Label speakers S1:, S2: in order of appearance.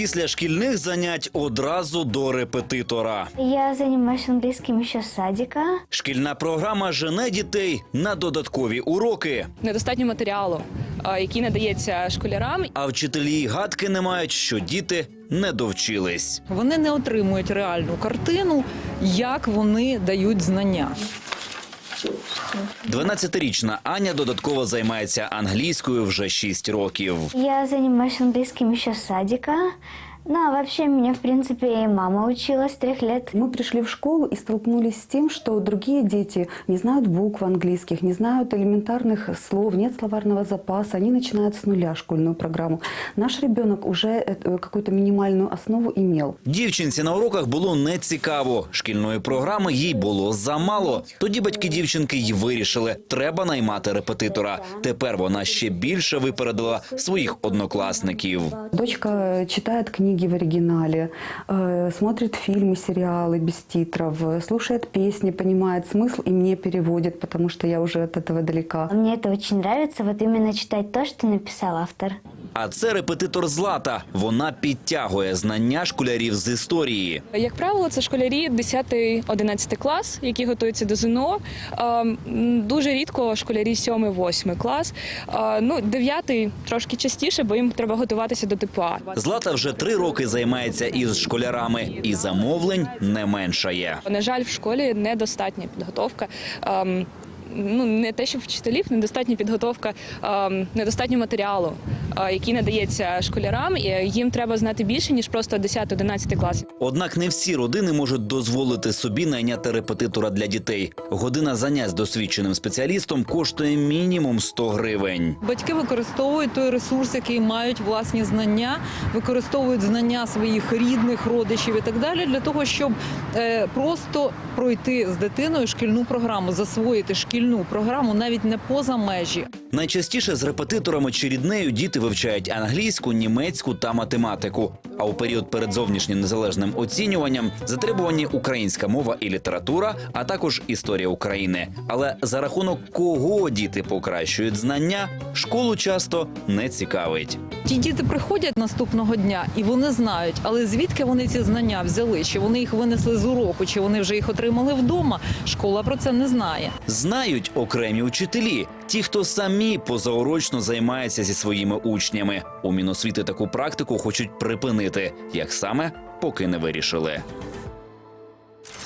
S1: Після шкільних занять одразу до репетитора.
S2: Я занимаюсь английским еще с садика.
S1: Шкільна програма жене дітей на додаткові уроки.
S3: Недостатньо матеріалу, який надається школярам.
S1: А вчителі й гадки не мають, що діти не довчились.
S4: Вони не отримують реальну картину, як вони дають знання.
S1: 12-річна Аня додатково займається англійською вже 6 років.
S2: Я занимаюсь английским еще с садика. Ну, а вообще меня, в принципе, и мама учила с 3 лет.
S5: Мы пришли в школу и столкнулись с тем, что другие дети не знают букв английских, не знают элементарных слов, нет словарного запаса. Они начинают с нуля школьную программу. Наш ребенок уже какую-то минимальную основу имел.
S1: Дівчинці на уроках було нецікаво. Шкільної програми їй було замало. Тоді батьки дівчинки й вирішили – треба наймати репетитора. Тепер вона ще більше випередила своїх однокласників.
S5: Дочка читает книги в оригинале, смотрит фильмы, сериалы без титров, слушает песни, понимает смысл и мне переводит, потому что я уже от этого далека.
S2: Мне это очень нравится, вот именно читать то, что написал автор.
S1: А це репетитор Злата. Вона підтягує знання школярів з історії.
S3: Як правило, це школярі 10-11 клас, які готуються до ЗНО. Дуже рідко школярі 7-8 клас. 9-й трошки частіше, бо їм треба готуватися до ТПА.
S1: Злата вже 3 роки займається із школярами. І замовлень не меншає.
S3: На жаль, в школі недостатня підготовка. Не те, що вчителів, недостатня підготовка, недостатньо матеріалу, який надається школярам. І їм треба знати більше, ніж просто 10-11 клас.
S1: Однак не всі родини можуть дозволити собі найняти репетитора для дітей. Година занять з досвідченим спеціалістом коштує мінімум 100 гривень.
S4: Батьки використовують той ресурс, який мають власні знання, використовують знання своїх рідних, родичів і так далі, для того, щоб просто пройти з дитиною шкільну програму, засвоїти шкільну програму навіть не поза межі.
S1: Найчастіше з репетиторами чи ріднею діти вивчають англійську, німецьку та математику. А у період перед зовнішнім незалежним оцінюванням затребувані українська мова і література, а також історія України. Але за рахунок кого діти покращують знання, школу часто не цікавить.
S4: Ті діти приходять наступного дня і вони знають, але звідки вони ці знання взяли? Чи вони їх винесли з уроку, чи вони вже їх отримали вдома? Школа про це не знає.
S1: Знають окремі учителі, ті, хто самі позаурочно займаються зі своїми учнями. У Міносвіти таку практику хочуть припинити. Як саме, поки не вирішили.